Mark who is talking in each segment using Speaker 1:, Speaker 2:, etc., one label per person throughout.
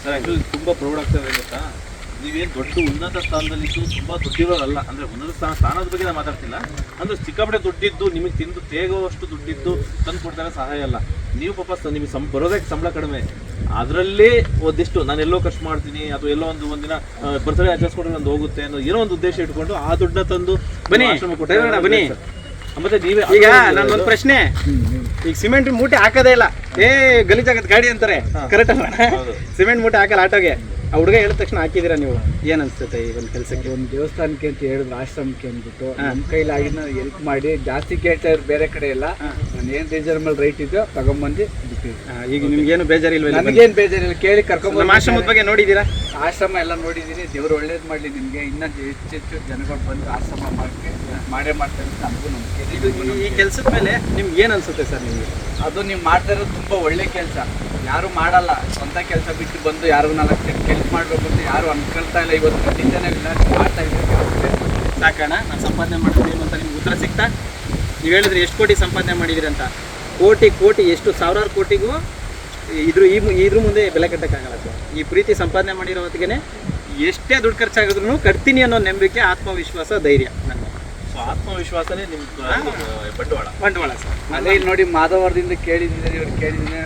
Speaker 1: Sir actually ತುಂಬ proud ಆಗ್ತದೆ ಗೊತ್ತಾ, ನೀವೇನು ದೊಡ್ಡ ಉನ್ನತ ಸ್ಥಾನದಲ್ಲಿದ್ದು ತುಂಬ ದುಡ್ಡಿರೋರಲ್ಲ. ಅಂದರೆ ಉನ್ನತ ಸ್ಥಾನದ ಬಗ್ಗೆ ನಾನು ಮಾತಾಡ್ತಿಲ್ಲ, ಅಂದರೆ ಸಿಕ್ಕಾಪಟ್ಟೆ ದುಡ್ಡಿದ್ದು ನಿಮಗೆ ತಿಂದು ತೇಗೋವಷ್ಟು ದುಡ್ಡಿದ್ದು ತಂದು ಕೊಡ್ತಾರೆ ಸಹಾಯ ಅಲ್ಲ. ನೀವು ಪಾಪ ನಿಮಗೆ ಬರೋದಕ್ಕೆ ಸಂಬಳ ಕಡಿಮೆ, ಅದರಲ್ಲೇ ಒಂದಿಷ್ಟು ನಾನು ಎಲ್ಲೋ ಖರ್ಚು ಮಾಡ್ತೀನಿ ಅಥವಾ ಎಲ್ಲೋ ಒಂದಿನ ಬರ್ತ್ಡೇ ಆಚರಿಸ್ಕೊಂಡ್ರೆ ಒಂದು ಹೋಗುತ್ತೆ ಅನ್ನೋ ಏನೋ ಒಂದು ಉದ್ದೇಶ ಇಟ್ಕೊಂಡು ಆ ದುಡ್ಡನ್ನ ತಂದು
Speaker 2: ಬನ್ನಿ ಬನ್ನಿ.
Speaker 1: ಮತ್ತೆ ನೀವೇ
Speaker 2: ಈಗ ನನ್ನೊಂದು ಪ್ರಶ್ನೆ, ಈಗ ಸಿಮೆಂಟ್ ಮೂಟೆ ಹಾಕೋದೇ ಇಲ್ಲ, ಗಲೀಜಾಗತ್ ಗಾಡಿ ಅಂತಾರೆ, ಕರೆಕ್ಟ್ ಅಲ್ಲ? ಸಿಮೆಂಟ್ ಮೂಟೆ ಹಾಕಲ್ಲ ಆಟೋಗೆ. ಆ ಹುಡುಗ ಹೇಳಿದ ತಕ್ಷಣ ಹಾಕಿದ್ದೀರಾ ನೀವು, ಏನ್ ಅನ್ಸುತ್ತೆ ಈ ಒಂದು ಕೆಲಸಕ್ಕೆ?
Speaker 3: ಒಂದು ದೇವಸ್ಥಾನಕ್ಕೆ ಅಂತ ಹೇಳಿದ್ರು, ಆಶ್ರಮಕ್ಕೆ ಅಂದ್ಬಿಟ್ಟು ನಮ್ಮ ಕೈಲಾಗಿನ ಹೆಲ್ಪ್ ಮಾಡಿ, ಜಾಸ್ತಿ ಕೇಳ್ತಾ ಇದ್ರು ಬೇರೆ ಕಡೆ ಎಲ್ಲ. ನಾನು ಏನು ರೀಸನಬಲ್ ರೈಟ್ ಇದೆಯೋ ತಗೊಂಬಂದು ಬಿಟ್ಟಿದ್ದೀನಿ.
Speaker 2: ಈಗ ನಿಮ್ಗೇನು ಬೇಜಾರಿಲ್ವ?
Speaker 3: ನನಗೇನು ಬೇಜಾರಿಲ್ಲ, ಕೇಳಿ ಕರ್ಕೊಂಡ್
Speaker 2: ನಮ್ಮ ಆಶ್ರಮದ ಬಗ್ಗೆ ನೋಡಿದ್ದೀರಾ?
Speaker 3: ಆಶ್ರಮ ಎಲ್ಲ ನೋಡಿದ್ದೀನಿ. ದೇವ್ರು ಒಳ್ಳೇದು ಮಾಡಲಿ ನಿಮಗೆ, ಇನ್ನೂ ಹೆಚ್ಚೆಚ್ಚು ಜನಗಳು ಬಂದು ಆಶ್ರಮ ಮಾಡೇ ಮಾಡ್ತಾರೆ ಅಂತ ನಮಗೂ ನಂಬಿಕೆ.
Speaker 2: ಈ ಕೆಲಸದ ಮೇಲೆ ನಿಮ್ಗೆ ಏನು ಅನ್ಸುತ್ತೆ ಸರ್ ನಿಮಗೆ?
Speaker 3: ಅದು ನೀವು ಮಾಡ್ತಾ ಇರೋದು ತುಂಬ ಒಳ್ಳೆ ಕೆಲಸ. ಯಾರು ಮಾಡಲ್ಲ, ಸ್ವಂತ ಕೆಲಸ ಬಿಟ್ಟು ಬಂದು ಯಾರು 4 ಜನ ಕೆಲಸ ಮಾಡಬೇಕು ಅಂತ ಯಾರು ಅನ್ಕೊಳ್ತಾ ಇಲ್ಲ. ಇವತ್ತು ಖಂಡಿತನೇ ಮಾಡ್ತಾ ಇದ್ದಾರೆ.
Speaker 2: ಸಾಕಣ ನಾನು ಸಂಪಾದನೆ ಮಾಡಿದ್ದೀನಿ ಅಂತ ನಿಮ್ಗೆ ಉತ್ತರ ಸಿಗ್ತಾ? ನೀವು ಹೇಳಿದ್ರೆ ಎಷ್ಟು ಕೋಟಿ ಸಂಪಾದನೆ ಮಾಡಿದಿರಿ ಅಂತ. ಕೋಟಿ ಎಷ್ಟು ಸಾವಿರಾರು ಕೋಟಿಗೂ ಇದ್ರ ಮುಂದೆ ಬೆಲೆ ಕಟ್ಟಕ್ಕಾಗಲ್ಲ ಸರ್. ಈ ಪ್ರೀತಿ ಸಂಪಾದನೆ ಮಾಡಿರೋ ಹೊತ್ತಿಗೆ ಎಷ್ಟೇ ದುಡ್ಡು ಖರ್ಚಾಗಿದ್ರು ಕಟ್ತೀನಿ ಅನ್ನೋ ನಂಬಿಕೆ, ಆತ್ಮವಿಶ್ವಾಸ, ಧೈರ್ಯ. ನನ್ನ
Speaker 1: ಆತ್ಮವಿಶ್ವಾಸನೇ ನಿಮ್ಮ
Speaker 2: ಬಂಡವಾಳ ಸರ್.
Speaker 3: ಅದೇ ಇಲ್ಲಿ ನೋಡಿ, ಮಾಧವರದಿಂದ ಕೇಳಿದ್ದೀನಿ, ಇವ್ರು ಕೇಳಿದ್ದೀನಿ.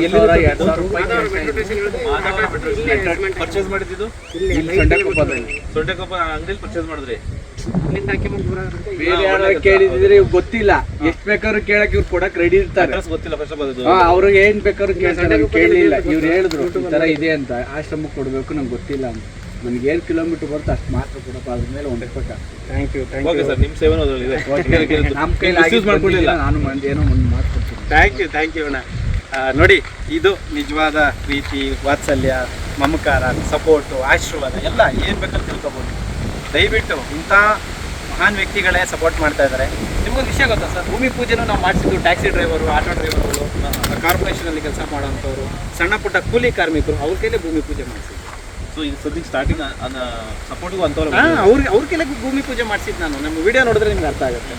Speaker 1: ಪರ್ಚೇಸ್ ಮಾಡಿದ್ದು ಸೊಂಡೆಕೊಪ್ಪ ಅಂಗಡಿಯಲ್ಲಿ ಪರ್ಚೇಸ್ ಮಾಡಿದ್ರಿ.
Speaker 3: ಬೇರೆ ಯಾರು ಕೇಳಿದ್ರೆ ಗೊತ್ತಿಲ್ಲ, ಎಷ್ಟು ಬೇಕಾದ್ರೂ ಕೇಳಕ್ ಇವ್ರು ಕೊಡಕ್ ರೆಡಿ ಇರ್ತಾರೆ.
Speaker 1: ಗೊತ್ತಿಲ್ಲ ಫಸ್ಟ್ ಆಫ್ ಆಲ್
Speaker 3: ಅವ್ರಿಗೆ ಏನ್ ಬೇಕಾದ್ರೂ ಕೇಳ್ತಾರೆ. ಕೇಳಿಲ್ಲ, ಇವ್ರು ಹೇಳಿದ್ರು ಈ ತರ ಇದೆ ಅಂತ, ಆಶ್ರಮಕ್ಕೆ ಕೊಡ್ಬೇಕು, ನಂಗೆ ಗೊತ್ತಿಲ್ಲ ಅಂತ. ನನಗೆ 7 ಕಿಲೋಮೀಟರ್ ಬರುತ್ತೆ ಅಷ್ಟು ಮಾತ್ರ ಕೊಡಪ್ಪ, ಅದ್ರ ಮೇಲೆ ಹೊಂದಬೇಕಾಗ್ತದೆ.
Speaker 2: ಥ್ಯಾಂಕ್ ಯು
Speaker 1: ಓಕೆ ಸರ್, ನಿಮ್ಮ ಸೇವೆನೂ ಅದರಲ್ಲಿ ಇದೆ.
Speaker 3: ನಮ್ಮ ಕೈಲಿ ಮಾಡ್ಕೊಳ್ಳಿಲ್ಲ, ನಾನು ಏನೋ ಒಂದು ಮಾತು ಕೊಡ್ತೀನಿ.
Speaker 2: ಥ್ಯಾಂಕ್ ಯು ಅಣ್ಣ. ನೋಡಿ, ಇದು ನಿಜವಾದ ಪ್ರೀತಿ, ವಾತ್ಸಲ್ಯ, ಮಮಕಾರ, ಸಪೋರ್ಟು, ಆಶೀರ್ವಾದ ಎಲ್ಲ ಏನು ಬೇಕಂತ ತಿಳ್ಕೊಬೋದು. ದಯವಿಟ್ಟು ಇಂಥ ಮಹಾನ್ ವ್ಯಕ್ತಿಗಳೇ ಸಪೋರ್ಟ್ ಮಾಡ್ತಾ ಇದ್ದಾರೆ. ನಿಮಗೊಂದು ವಿಷಯ ಗೊತ್ತಾ ಸರ್, ಭೂಮಿ ಪೂಜೆನೂ ನಾವು ಮಾಡಿಸಿದ್ದು ಟ್ಯಾಕ್ಸಿ ಡ್ರೈವರು, ಆಟೋ ಡ್ರೈವರ್ಗಳು, ಕಾರ್ಪೊರೇಷನಲ್ಲಿ ಕೆಲಸ ಮಾಡೋಂಥವ್ರು, ಸಣ್ಣ ಪುಟ್ಟ ಕೂಲಿ ಕಾರ್ಮಿಕರು, ಅವ್ರ ಕೈಲೇ ಭೂಮಿ ಪೂಜೆ ಮಾಡಿಸಿದ್ದು.
Speaker 1: ಸೊ ಈಗ ಸದ್ಯಕ್ಕೆ ಸ್ಟಾರ್ಟಿಂಗ್ ಸಪೋರ್ಟ್ಗೂ ಅಂಥವ್ರು
Speaker 2: ಅವ್ರ ಕೈಲೇ ಭೂಮಿ ಪೂಜೆ ಮಾಡಿಸಿದ್ದು ನಾನು. ನಮ್ಮ ವಿಡಿಯೋ ನೋಡಿದ್ರೆ ನಿಮ್ಗೆ ಅರ್ಥ ಆಗುತ್ತೆ.